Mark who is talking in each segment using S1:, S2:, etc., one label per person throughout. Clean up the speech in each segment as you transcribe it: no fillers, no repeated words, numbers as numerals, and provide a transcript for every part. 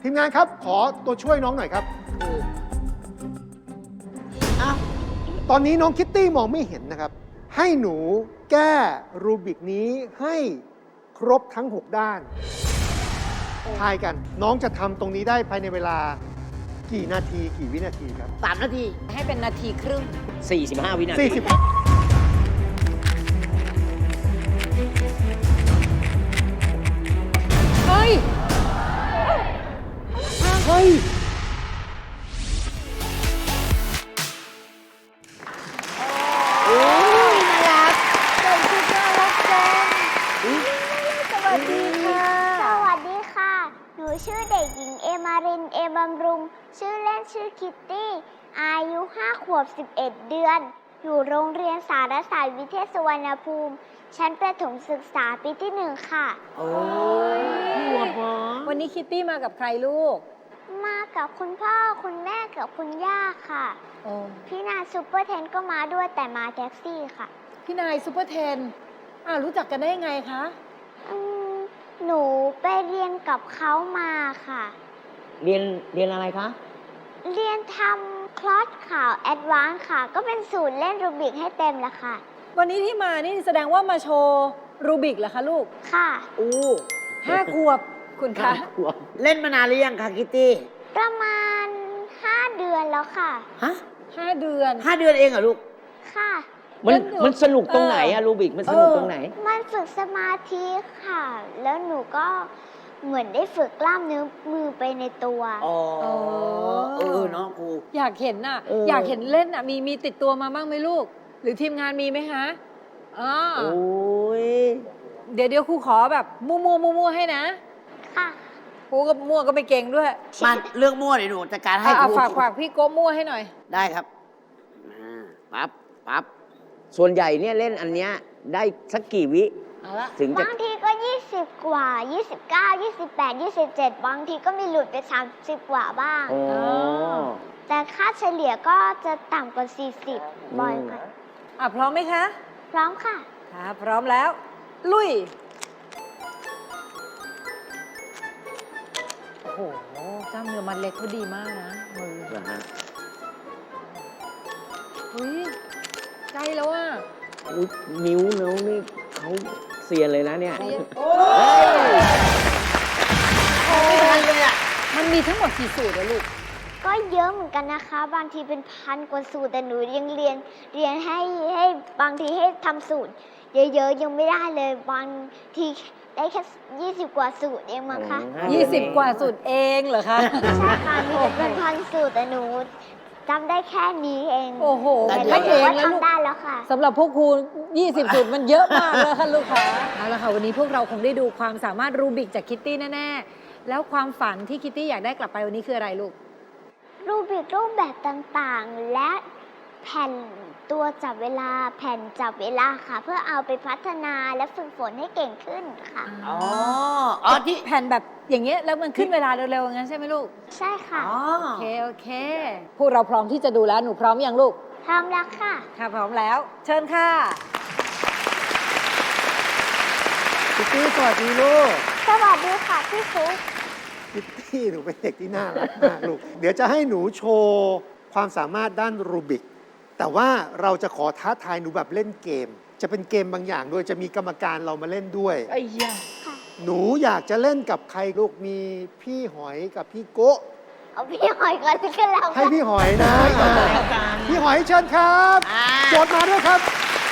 S1: ทีมงานครับขอตัวช่วยน้องหน่อยครับตอนนี้น้องคิตตี้มองไม่เห็นนะครับให้หนูแก้รูบิกนี้ให้ครบทั้ง 6 ด้านทายกันน้องจะทำตรงนี้ได้ภายในเวลากี่นาทีกี่วินาทีครับ
S2: 3 นาที
S3: ให้เป็นนาทีครึ่ง
S2: 45 วินาที
S1: 40
S3: เฮ้ย
S1: เฮ้ย
S3: โอ้ยน่ารักใส่ชุดน่ารักจังสวัสดีค่ะ
S4: สวัสดีค่ะ หนูชื่อเด็กหญิงเอมาริน เอบำรุง ชื่อเล่นชื่อคิตตี้ อายุ 5 ขวบ 11 เดือน อยู่โรงเรียนสารศาสตร์วิเทศสุวรรณภูมิ ชั้นประถมศึกษาปีที่ 1 ค่ะ
S2: โอ้ยหัวหมอ
S3: วันนี้คิตตี้มากับใครลูก
S4: มากับคุณพ่อคุณแม่กับคุณย่าค่ะ
S3: โอ้
S4: พี่นาซูเปอร์เทนก็มาด้วยแต่มาแท็กซี่ค่ะ
S3: พี่นายซูเปอร์เทนรู้จักกันได้ยังไงคะ
S4: อืมหนูไปเรียนกับเขามาค่ะ
S2: เรียนอะไรคะ
S4: เรียนทำคลอสข่าวแอดวานซ์ค่ะ ก็เป็นสูตรเล่นรูบิกให้เต็มแล้วค่ะ
S3: วันนี้ที่มานี่แสดงว่ามาโชว์รูบิกเหรอคะลูก
S4: ค่ะ
S2: อู้
S3: 5 ขวบคุณคะ
S2: เล่นมานานหรือยังคะคิตตี้
S4: ประมาณ 5 เดือนแล้วค่ะ
S2: ฮะ
S3: 5 เดือน
S2: 5 เดือนเองเหรอลูก
S4: ค่ะ
S2: มันสนุกตรงไหนอะรูบิกมันสนุกตรงไหน
S4: มันฝึกสมาธิค่ะ แล้วหนูก็เหมือนได้ฝึกกล้ามเนื้อมือไปในตัว
S2: อ๋อ เนาะครู
S3: อยากเห็นน่ะ
S2: เอออ
S3: อยากเห็นเล่นน่ะ มีติดตัวมาบ้างไหมลูก หรือทีมงานมีไหมคะอ๋อ
S2: โอ้ย
S3: เดี๋ยวครูขอแบบมั่วให้นะ
S4: ค่ะ
S3: ครูก็มั่วก็ไม่เก่งด้วย
S2: มาเรื่องมั่วเดี๋ยวหนูจัดการให้ครู
S3: ฝากพี่โก้มั่วให้หน่อย
S2: ได้ครับปั๊บ ส่วนใหญ่เนี่ยเล่นอันเนี้ยได้สักกี่วิ
S3: เอาละ
S2: ถึงจะ
S4: บางทีก็ 20 กว่า 29 28 27 บางทีก็มีหลุดไป 30 กว่าบ้าง
S2: อ๋อ
S4: แต่ค่าเฉลี่ยก็จะต่ำกว่า 40 บ่อยกว่า
S3: พร้อมไหมคะ
S4: พร้อมค่ะ
S3: ค่ะพร้อมแล้ว ลุย โอ้โหกล้ามเนื้อมัดเล็กเขาดีมากนะมือ
S2: เหรอฮะ
S3: อุ้ยใกล้แล้วอ่ะ
S2: อุ๊ยนิ้วนี่เขาเซียนเลยนะเนี่ย
S3: โอ้
S2: ไม่ทันเลยอ่ะ
S3: มันมีทั้งหมดกี่สูตรอะลูก
S4: ก็เยอะเหมือนกันนะคะ บางทีเป็นพันกว่าสูตรแต่หนูยังเรียนให้บางทีให้ทำสูตร เยอะๆยังไม่ได้เลยบางทีได้แค่20 กว่าสูตรเองมั้งคะ
S3: 20 กว่าสูตรเองเหรอคะ
S4: ใช่ค่ะมีเป็นพันสูตรแต่หนูจำได้แค่นี้เอง
S3: โอ้โห
S4: แต่
S3: ไม่
S4: ถื
S3: เอ
S4: องว่า
S3: แล้วลูก
S4: ทำได้แล้วค่ะ
S3: สำหรับพวกครู 20 สูตรมันเยอะมากเลยค่ะลูกค้าเอาละค่ะ วันนี้พวกเราคงได้ดูความสามารถรูบิกจากคิตตี้แน่ๆ แล้วความฝันที่คิตตี้อยากได้กลับไปวันนี้คืออะไรลูก
S4: รูบิกรูปแบบต่างๆ และแผ่นตัวจับเวลาแผ่นจับเวลาค่ะ เพื่อเอาไปพัฒนาและฝึกฝนให้เก่งขึ้นค่ะ
S2: อ๋อที่
S3: แผ่นแบบอย่างเงี้ยแล้วมันขึ้นเวลาเร็วๆอย่างนั้นใช่ไหมลูก
S4: ใช่ค่ะ
S3: โอเค พวกเราพร้อมที่จะดูแล้ว หนูพร้อมยังลูก
S4: พร้อมแล้วค่ะ
S3: ค่ะพร้อมแล้ว เชิญค่ะ
S2: คิตตี้สวัสดีลูก
S4: สวัสดีค่ะพี่ฟุ๊ก
S1: คิตตี้หนูเป็นเด็กที่น่ารักมากลูก เดี๋ยวจะให้หนูโชว์ความสามารถด้านรูบิก แต่ว่าเราจะขอท้าทายหนูแบบเล่นเกม จะเป็นเกมบางอย่างด้วยจะมีกรรมการเรามาเล่นด้วย
S2: ไอ้ยา
S4: ค่ะ
S1: หนูอยากจะเล่นกับใครลูกมีพี่หอยกับพี่โกะ
S4: เอาพี่หอยก่อนก็แล้ว
S1: ให้
S4: กัน
S1: พี่หอยนะ
S2: แล้วกัน
S1: พี่หอยเชิญครับโจทย์มาด้วยครับ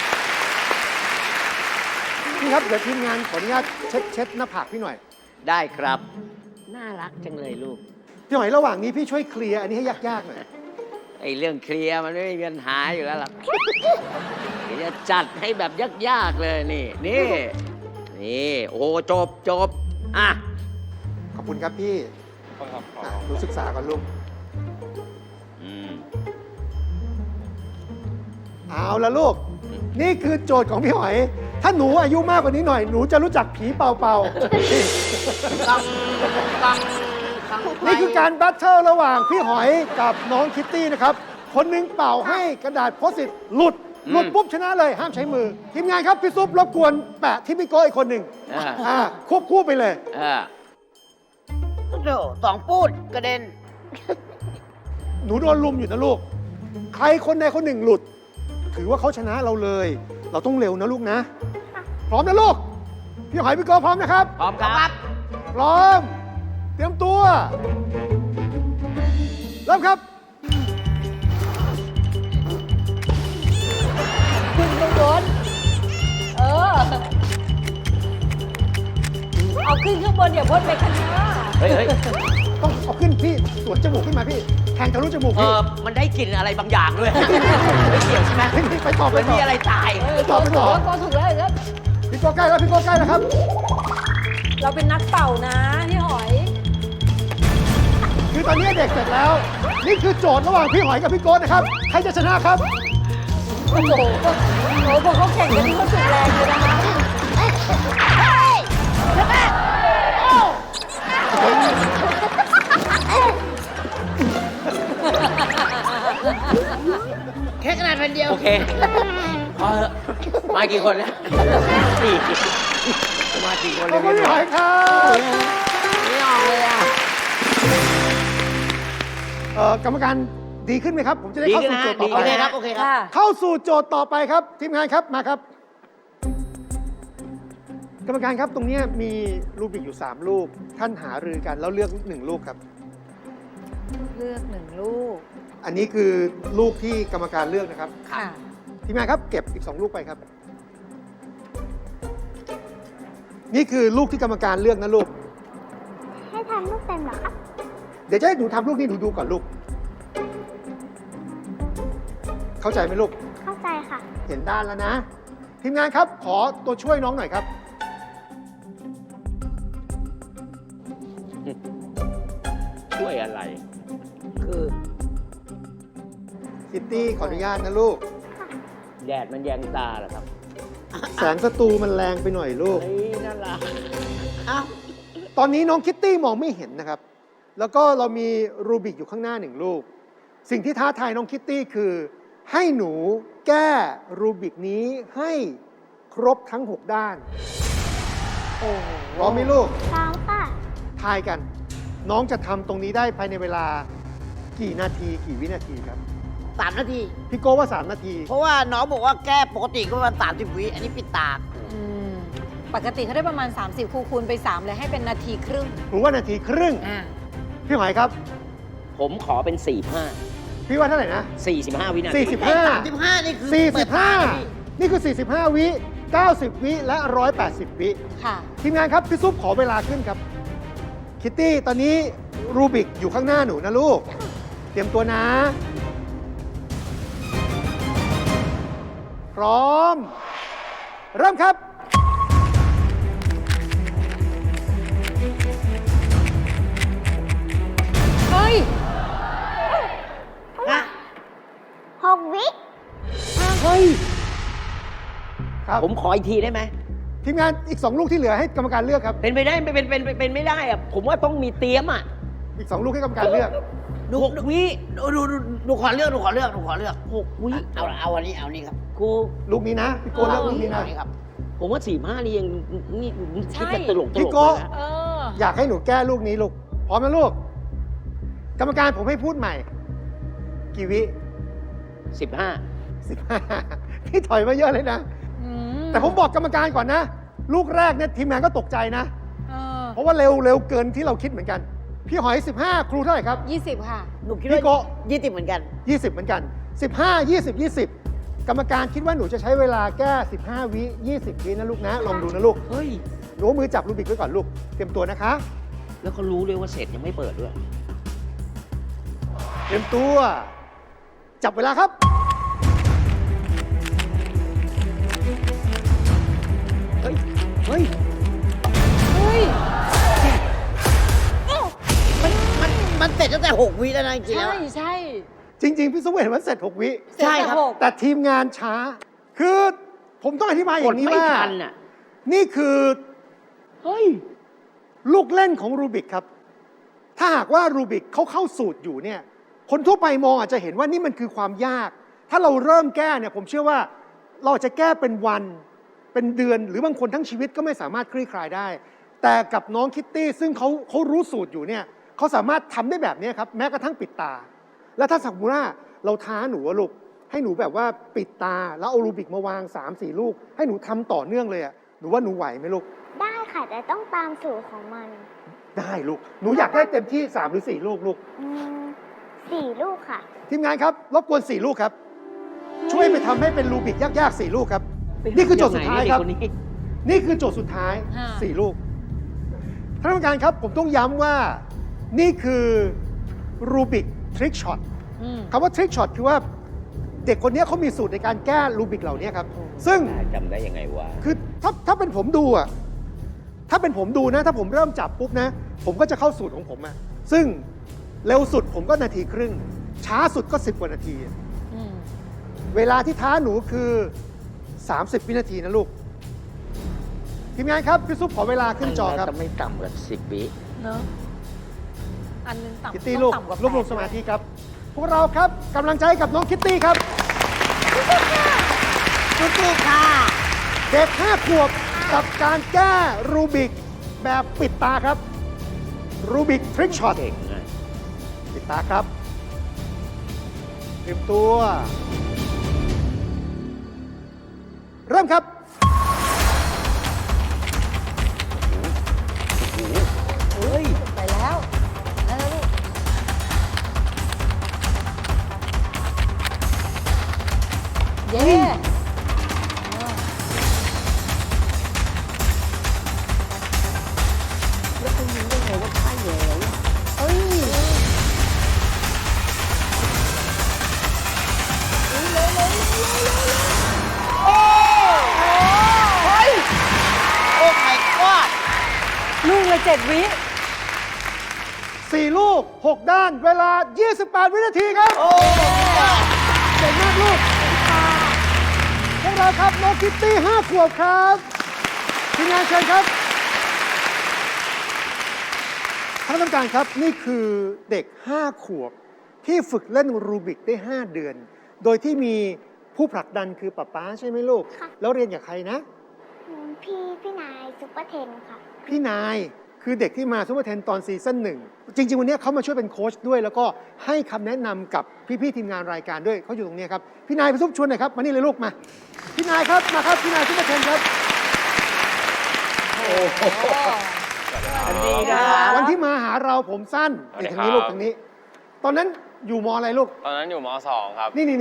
S1: พี่ครับเดี๋ยวทีมงานขออนุญาตเช็ดหน้าผากพี่หน่อย
S2: ได้ครับ น่ารักจังเลยลูก
S1: พี่หอยระหว่างนี้พี่ช่วยเคลียร์อันนี้ให้ยากๆหน่อย
S2: ไอ้เรื่องเคลียร์มันไม่มีปัญหาอยู่แล้วล่ะ เดี๋ยวจะจัดให้แบบยากๆเลยนี่ โอ้จบอ่ะ
S1: ขอบคุณครับพี่รู้ศึกษาก่อนลูก เอาละลูก นี่คือโจทย์ของพี่หอย ถ้าหนูอายุมากกว่านี้หน่อย หนูจะรู้จักผีเป่าๆ นี่คือการแบทเทิลระหว่างพี่หอยกับน้องคิตตี้นะครับ คนหนึงเป่าให้กระดาษโพสต์อิทหลุดปุ๊บชนะเลย ห้ามใช้มือ ทีมงานครับ พี่ซุปรบกวนแปะที่พี่โก้อีกคนหนึ่งควบคู่ไปเลย
S5: เถอะ2 ปูดกระเด็น
S1: หนูโดนลุมอยู่นะลูก ใครคนใดคนหนึ่งหลุด ถือว่าเขาชนะเราเลย เราต้องเร็วนะลูกนะ พร้อมนะลูก พี่หอยพี่โกพร้อมนะครับ
S2: พร้อมครับ
S1: พร้อม เตรียมตัว เริ่มครับ
S3: ขึ้นข้างบนเอาขึ้นข้างบนอย่าพ่นไปข้างหน้า
S2: เฮ้ย
S1: ต้องเอาขึ้นพี่สวนจมูกขึ้นมาพี่ แทงทะลุจมูกพี่
S2: มันได้กลิ่นอะไรบางอย่างด้วย ไม่เกี่ยวใช่ไหม
S1: พี่ไปต่อไป
S2: มัน
S1: ต่
S2: มี
S1: อ
S2: อะไรตาย
S1: ต่อไปต่อ
S3: ก็ถูกแล้วครับ
S1: พี่โกใกล้แล้วพี่โกใกล้แล้วครับ
S3: เราเป็นนักเป่านะพี่หอย
S1: คือตอนนี้เด็กเสร็จแล้ว นี่คือโจทย์ระหว่างพี่หอยกับพี่โก้นะครับ ใครจะชนะครับ
S3: โอ้โหพวกเขาแข่งกันนี่เขาสุดแรงเลยนะคะ
S5: แค่ขนาดแผ่นเดียว
S2: โอเคพอเถอะมากี่คนแล้วสี่มากี่คน
S1: ข
S2: เล
S1: อบ
S2: ย
S1: คุณพี่หอยครับ
S2: ไม่ออกเลยอ่ะ
S1: กรรมการดีขึ้นไหมครับ ผมจะได้
S2: ดี
S1: เข้า
S2: ขึ้น
S1: สู่
S2: นะ
S1: โจทย์ต่อ
S2: ดี
S1: ไป
S2: ขึ้น
S5: โอเคครับ โอเคครับ
S3: ค่ะ
S1: เข้าสู่โจทย์ต่อไปครับ ทีมงานครับมาครับ กรรมการครับตรงเนี้ยมีรูบิกอยู่3ลูก ท่านหารือกันแล้วเลือก1ลูกครับ
S3: เลือก1 ลูก
S1: อันนี้คือลูกที่กรรมการเลือกนะครับ
S3: ค่ะ
S1: ทีมงานครับเก็บอีก2ลูกไปครับ นี่คือลูกที่กรรมการเลือกนะลูก
S4: ให้ทำลูกเป็นเหรอครับ
S1: เดี๋ยวจะให้หนูทำลูกนี้หนูดูก่อนลูก เข้าใจไหมลูก
S4: เข้าใจค่ะ
S1: เห็นด้านแล้วนะ ทีมงานครับขอตัวช่วยน้องหน่อยครับ
S2: ช่วยอะไร
S5: คือ
S1: คิตตี้ขออนุญาตนะลูก
S2: แดดมันแยงตาเหรอครับ
S1: แสงสตูมันแรงไปหน่อยลูก
S2: เฮ้ยน่ารัก
S5: อ้าว
S1: ตอนนี้น้องคิตตี้มองไม่เห็นนะครับ แล้วก็เรามีรูบิกอยู่ข้างหน้า1ลูก สิ่งที่ท้าทายน้องคิตตี้คือ ให้หนูแก้รูบิกนี้ให้ครบทั้ง 6 ด้าน
S3: โอ้โห
S1: พร้อมไหมลูก
S4: พร้อมค่ะ
S1: ทายกัน น้องจะทำตรงนี้ได้ภายในเวลากี่นาทีกี่วินาทีครับ
S5: 3 นาที
S1: พี่โก้ว่า 3 นาที
S5: เพราะว่าน้องบอกว่าแก้ปกติก็ประมาณ30 วิ อันนี้ปิดตา
S3: อืมปกติเขาได้ประมาณ 30คูณไป 3 เลยให้เป็นนาทีครึ่ง
S1: หรือว่านาทีครึ่ง
S3: อ่า
S1: พี่หอยครับ
S2: ผมขอเป็น
S1: พี่ว่าเท่าไหร่นะ
S2: 45 วินาที
S1: 45
S5: 35 นี่คือเปิดตาเลยพี่
S1: 45 นี่คือ 45 วิ 90 วิ และ 180 วิ
S3: ค่ะ
S1: ทีมงานครับ พี่ซุปขอเวลาขึ้นครับ คิตตี้ ตอนนี้รูบิกอยู่ข้างหน้าหนูนะลูก เตรียมตัวนะ พร้อม เริ่มครับ
S3: เฮ้ย
S4: 6 วิ
S1: เฮ้ย ครับ
S2: ผมขออีกทีได้ไหม
S1: ทีมงานอีก 2 ลูกที่เหลือให้กรรมการเลือกครับ
S2: เป็นไปได้เป็นไม่ได้อะผมว่าต้องมีเตรียมอ่ะ
S1: อีก 2 ลูกให้กรรมการเลือก
S2: 6 วิ
S5: หนูขอเลือก หนูขอเลือก หนูขอเลือก
S2: 6 วิ
S5: เอาอันนี้ เอานี่ครับ
S2: ครู
S1: ลูกนี้นะ พี่โก้เลือกลูกนี้นะ
S5: เอานี่ครับ
S2: ผมว่า 45 นี่ยังนี่คิด
S3: ใช่
S2: จะตลก
S1: พี่
S2: เลย
S1: โก้
S2: นะ
S3: เออ
S1: อยากให้หนูแก้ลูกนี้ลูก พร้อมนะลูก กรรมการผมให้พูดใหม่ กี่วิ
S2: 15
S1: 15 พี่ถอยมาเยอะเลยนะ
S3: อืม
S1: แต่ผมบอกกรรมการก่อนนะ ลูกแรกเนี่ยทีมงานก็ตกใจนะ
S3: เออ
S1: เพราะว่าเร็วเกินที่เราคิดเหมือนกัน พี่หอย 15 ครูเท่าไหร่ครับ
S3: 20 ค่ะ
S5: หนูคิด
S1: พี่
S5: ว่า
S1: โกะ
S5: 20เหมือนกัน
S1: 20 เหมือนกัน 15 20 20 กรรมการคิดว่าหนูจะใช้เวลาแก้ 15 วิ 20 วินะลูกนะ ลองดูนะลูก
S2: เฮ้ย
S1: หนูเอามือจับรูบิกไว้ก่อนลูก เตรียมตัวนะคะ
S2: แล้วก็รู้เลยว่าเสร็จยังไม่เปิดด้วย
S1: เตรียมตัว จับเวลาครับ
S2: เฮ้ย เฮ้ย
S3: เฮ้ย
S5: มันเสร็จตั้งแต่ 6 วิแล้วนะจริงๆแล้ว
S3: ใช่ใช่
S1: จริง ๆ พี่สุเวทมันเสร็จ 6 วิ
S5: ใช่ครับ
S1: แต่ทีมงานช้า คือผมต้องอธิบายอก
S2: ด
S1: ย่างนี้
S2: ไม่
S1: ว่า
S2: ทันอ่ะ
S1: นี่คือ
S2: เฮ้ย
S1: ลูกเล่นของรูบิกครับ ถ้าหากว่ารูบิกเขาเข้าสูตรอยู่เนี่ย คนทั่วไปมองอาจจะเห็นว่านี่มันคือความยาก ถ้าเราเริ่มแก้เนี่ยผมเชื่อว่าเราอาจจะแก้เป็นวัน เป็นเดือน หรือบางคนทั้งชีวิตก็ไม่สามารถคลี่คลายได้แต่กับน้องคิตตี้ซึ่งเขารู้สูตรอยู่เนี่ยเขาสามารถทำได้แบบนี้ครับแม้กระทั่งปิดตา แล้วถ้าสมมติว่าเราท้าหนูอะลูกให้หนูแบบว่าปิดตาแล้วเอารูบิกมาวาง 3-4 ลูก ให้หนูทำต่อเนื่องเลยอะหนูว่าหนูไหวไหมลูก
S4: ได้ค่ะ แต่ต้องตามสูตรของมัน
S1: ได้ลูกหนูอยากได้เต็มที่3หรือ4ลูกลูก
S4: 4 ลูกค่ะ
S1: ทีมงานครับรบกวน4ลูกครับช่วยไปทำให้เป็นรูบิกยากๆ4ลูกครับนี่คือโจทย์สุดท้ายครับ
S2: เด็กคนนี้
S1: นี่คือโจทย์สุดท้าย
S3: ค่ะ
S1: 4 ลูกท่านผู้การครับผมต้องย้ำว่านี่คือรูบิกทริกช็อต
S3: อืม
S1: คำว่าทริกช็อตคือว่าเด็กคนนี้เขามีสูตรในการแก้รูบิกเหล่านี้ครับ ซึ่ง
S2: จำได้ยังไงวะ
S1: คือถ้าเป็นผมดูอะถ้าเป็นผมดูนะ ถ้าผมเริ่มจับปุ๊บนะ ผมก็จะเข้าสูตรของผมอะซึ่งเร็วสุดผมก็นาทีครึ่ง ช้าสุดก็10 กว่านาที
S3: อืม
S1: เวลาที่ท้าหนูคือ 30 วินาทีนะลูก ทีมงานครับ พี่ซุปขอเวลาขึ้นจอครับ
S2: จะไม่ต่ำกว่า10 วิ
S3: เนอะอันนึงต่ำ
S1: คิตตี้ลูก
S3: ต้องต่ำว่าร
S1: วบรวม
S3: 8
S1: สมาธิครับ พวกเราครับกำลังใจกับน้องคิตตี้ครับ
S5: สู้ๆค่ะ
S1: เด็ก5 ขวบกับการแก้รูบิกแบบปิดตาครับ รูบิกทริกช็อต
S2: เก่งนะ
S1: ปิดตาครับเตรียมตัว เริ่มครับ
S2: เฮ้ย
S3: ไปแล้วแล้วลูกเย้
S2: แล้วคุณรู้ได้ไงว่าใช่แล้ว
S3: เฮ้ย
S5: โอ้ my god
S3: ลูกละ7 วิ
S1: 4 ลูก 6 ด้าน เวลา 28 วินาทีครับ
S5: โอ้
S1: เก่งมากลูกพวกเราครับน้องคิตตี้5 ขวบครับทีมงานเชิญครับท่านผู้การครับนี่คือเด็ก 5 ขวบ ที่ฝึกเล่นรูบิกได้ 5 เดือน โดยที่มีผู้ผลักดันคือป๊าป๊าใช่ไหมลูก
S4: ค่ะ
S1: แล้วเรียนกับใครนะ
S4: พี่นายซุปเปอร์เทนค่ะ
S1: พี่นายคือเด็กที่มาซูเปอร์เทนตอนซีซั่นหนึ่งจริง ๆ วันนี้เขามาช่วยเป็นโค้ชด้วย แล้วก็ให้คำแนะนำกับพี่ๆทีมงานรายการด้วยเขาอยู่ตรงนี้ครับพี่นายไปซุปชวนหน่อยครับมานี่เลยลูกมาพี่นายครับมาครับพี่นายซูเปอร์เทนครับ
S2: อันนี้นะ
S1: วันที่มาหาเราผมสั้นนี่ทางนี้ลูกทางนี้ ตอนนั้นอยู่มอะไรลูก
S6: ตอนนั้นอยู่ม .2 ครับ
S1: นี่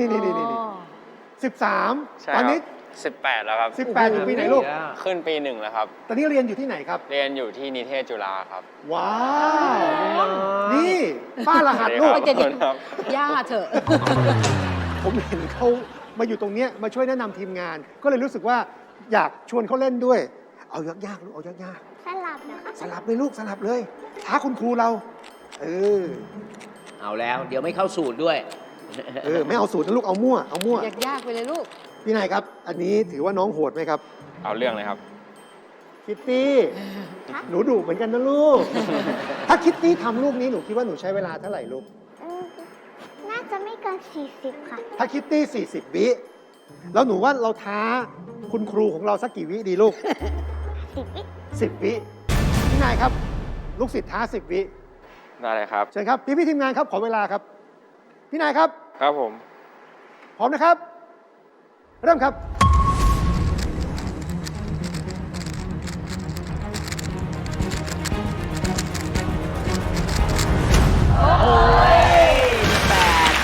S1: 13
S6: ใช่
S1: ตอนนี้
S6: 18 แล้วครับ
S1: 18อยู่ปีไหนลูก
S6: ขึ้นปี 1 แล้วครับ
S1: ตอนนี้เรียนอยู่ที่ไหนครับ
S6: เรียนอยู่ที่นิเทศจุฬาครับ
S1: ว้าวนี่ป้ารหัสลูก
S6: สวัสดีครับ
S3: ย่าเถอะ
S1: ผมเห็นเขามาอยู่ตรงเนี้ยมาช่วยแนะนำทีมงาน ก็เลยรู้สึกว่าอยากชวนเขาเล่นด้วย เอายากๆลูกเอายาก
S4: สลับนะคะ
S1: ๆสลับเลยลูกสลับเลยท้าคุณครูเรา เออ
S2: เอาแล้วเดี๋ยวไม่เข้าสูตรด้วย
S1: ไม่เอาสูตรนะลูกเอามั่วเอามั่วย
S3: ากๆไปเลยลูก
S1: พี่นายครับ อันนี้ถือว่าน้องโหดไหมครับ
S6: เอาเรื่องเลยครับ
S1: คิตตี้หนูดุเหมือนกันนะลูก ถ้าคิตตี้ทำลูกนี้หนูคิดว่าหนูใช้เวลาเท่าไหร่ลูก
S4: น่าจะไม่เกิน 40 ค่ะ
S1: ถ้าคิตตี้40 วิแล้วหนูว่าเราท้าคุณครูของเราสักกี่วิดีลูก
S4: 10 วิ
S1: 10 วิพี่นายครับ ลูกศิษย์ท้า 10 วิ
S6: ได้เลยครับ
S1: เชิญครับพี่ทีมงานครับขอเวลาครับ พี่นายครับ
S6: ครับผม
S1: พร้อมนะครับ เริ่มครับ
S2: โอ้ยมี8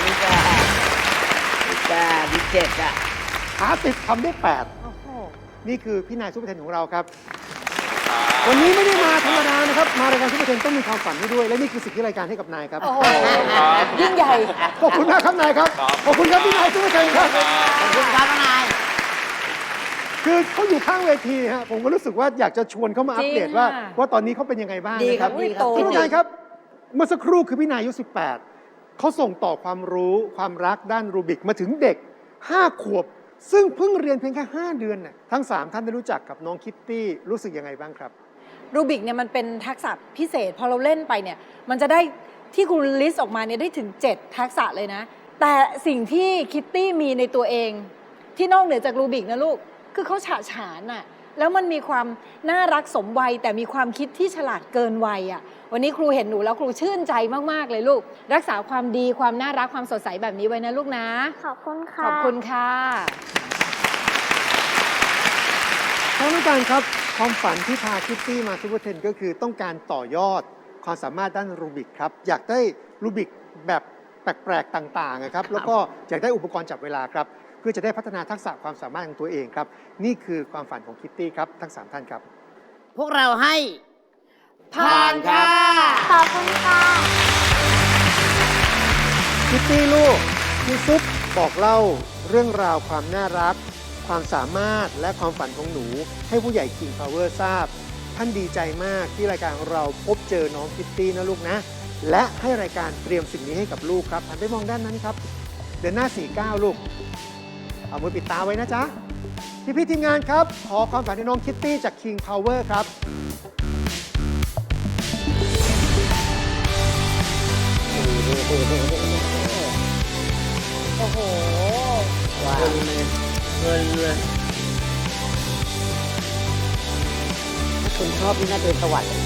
S2: มี7อ่ะ
S1: ท้า10ทำได้
S3: โอ้โห
S1: 8 นี่คือพี่นายซุปเปอร์เทนของเราครับ วันนี้ไม่ได้มาธรรมดานะครับ มารายการซุปเปอร์เทนต้องมีความฝันให้ด้วย และนี่คือสิ่งที่รายการให้กับนายครับ
S3: โอ้โห ยิ่งใหญ่
S1: ขอบคุณมากครับนายครับ ขอบคุณครับพี่นายซุปเปอร์เทนครับ
S5: ขอบคุณครับนาย
S1: คือเขาอยู่ข้างเวทีฮะผมก็รู้สึกว่าอยากจะชวนเขามาอัปเดตว่า
S3: จริงค่ะ
S1: ว่าตอนนี้เขาเป็นยังไงบ้าง
S5: ดี
S1: นะ
S5: ค
S1: ค
S5: รั
S1: รั
S5: บบ ดีครับ
S3: โต
S1: ท่านผู้การครับ เมื่อสักครู่คือพี่นายอายุ 18 เขาส่งต่อความรู้ความรักด้านรูบิกมาถึงเด็ก 5 ขวบ ซึ่งเพิ่งเรียนเพียงแค่ 5 เดือนน่ะทั้ง 3 ท่านได้รู้จักกับน้องคิตตี้รู้สึกยังไงบ้างครับ
S3: รูบิกเนี่ยมันเป็นทักษะพิเศษ พอเราเล่นไปเนี่ย มันจะได้ที่คุณลิสต์ออกมาเนี่ยได้ถึง 7 ทักษะเลยนะ แต่สิ่งที่คิตตี้มีในตัวเอง ที่นอกเหนือจากรูบิกนะลูก คือเขาฉะฉานอะแล้วมันมีความน่ารักสมวัยแต่มีความคิดที่ฉลาดเกินวัยอ่ะวันนี้ครูเห็นหนูแล้วครูชื่นใจมากๆเลยลูก รักษาความดีความน่ารักความสดใสแบบนี้ไว้นะลูกนะ
S4: ขอบคุณ
S3: ข
S4: ค่ะ
S3: อบคุณค่ะ
S1: ท่านผู้การครับความฝันที่พาคิตตี้มาซูเปอร์เทนก็คือต้องการต่อยอดความสามารถด้านรูบิกครับ อยากได้รูบิกแบบแปลกๆต่างๆนะครับแล้วก็อยากได้อุปกรณ์จับเวลาครับเพื่อจะได้พัฒนาทักษะความสามารถของตัวเองครับนี่คือความฝันของคิตตี้ครับทั้ง 3 ท่านครับ
S5: พวกเราให้
S2: ผ่านครับ
S4: ขอบคุณค่ะ
S1: คิตตี้ลูกพี่ซุปบอกเล่าเรื่องราวความน่ารัก ความสามารถและความฝันของหนูให้ผู้ใหญ่ King Power ทราบ ท่านดีใจมากที่รายการของเราพบเจอน้องคิตตี้นะลูกนะ และให้รายการเตรียมสิ่งนี้ให้กับลูกครับหันไปมองด้านนั้นครับ เดินหน้า 49 ลูก เอามือปิดตาไว้นะจ๊ะ พี่ทีมงานครับ ขอความฝันให้น้องคิตตี้จาก King Power ครับ
S3: โอ้โห
S2: ว้าวเงินเลยถ้าคุณชอบนี่น่าจะเป็นสวรรค์เลย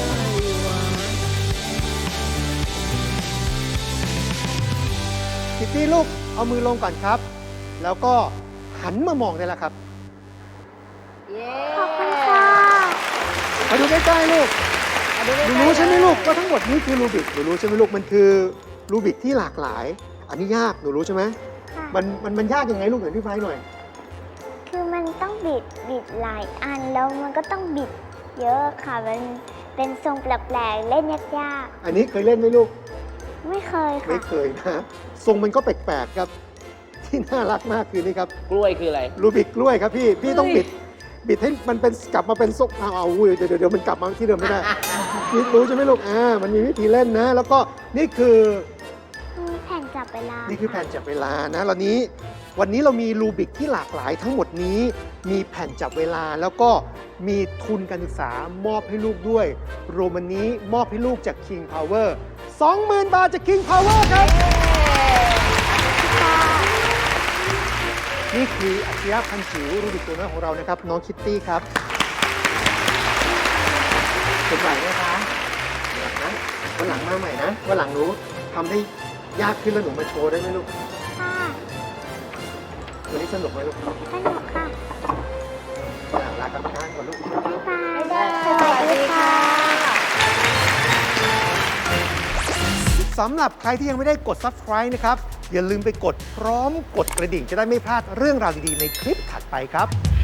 S1: คิตตี้ลูกเอามือลงก่อนครับ แล้วก็หันมามองได้แล้วครับ
S3: เย้
S4: ขอบคุณค่ะ
S1: มาดูใกล้ๆลูก
S3: มาดูใก
S1: หนู
S3: ล้ๆ
S1: รู้ใช่ไหมลูกว่าทั้งหมดนี้คือรูบิกหนูรู้ใช่ไหมลูกมันคือรูบิกที่หลากหลาย อันนี้ยากหนูรู้ใช่ไหม
S4: ค่ะ
S1: มันยากยังไงลูกเดี๋ยวพี่ไฟหน่อย
S4: คือมันต้องบิดหลายอันแล้วมันก็ต้องบิดเยอะค่ะ มันเป็นทรงแปลกๆ เล่นยาก
S1: อันนี้เคยเล่นไหมลูก
S4: ๆ ไม่เคย
S1: ไม่
S4: ค่ะ
S1: เคยนะทรงมันก็แปลกๆครับ ที่น่ารักมากคือนี่ครับ
S2: กล้วยคืออะไร
S1: รูบิกกล้วยครับพี่ต้องบิดให้มันเป็นกลับมาเป็นทรงเอาอุ้ยเดี๋ยวมันกลับมาที่เดิมไม่ได้พี่รู้ใช่ไหมลูกมันมีวิธีเล่นนะ แล้วก็นี่คือ
S4: มีแผ่นจับเวลา
S1: นี่คือแผ่นจับเวลานะวันนี้เรามีรูบิกที่หลากหลายทั้งหมดนี้ มีแผ่นจับเวลาแล้วก็มีทุนการศึกษามอบให้ลูกด้วย รวมวันนี้มอบให้ลูกจาก King Power 20,000 บาทจาก King Power ครับ นี่คืออัจฉริยะพันจิ๋วรูบิกตัวน้อยของเรานะครับ น้องคิตตี้ครับเป็นไหวไหมคะวันหลังมาใหม่นะวันหลังรู้ทำได้ยากขึ้นแล้วหนูมาโชว์ได้ไหมลูก
S4: ค่ะ
S1: วันนี้สนุกไหมลูก
S4: สนุกค่ะ
S1: ลากรรมการก่อนลูก
S4: บ๊ายบาย
S3: บ๊ายบาย
S4: สวัสดีค่ะ
S1: สำหรับใครที่ยังไม่ได้กด subscribe นะครับ อย่าลืมไปกดพร้อมกดกระดิ่งจะได้ไม่พลาดเรื่องราวดีๆในคลิปถัดไปครับ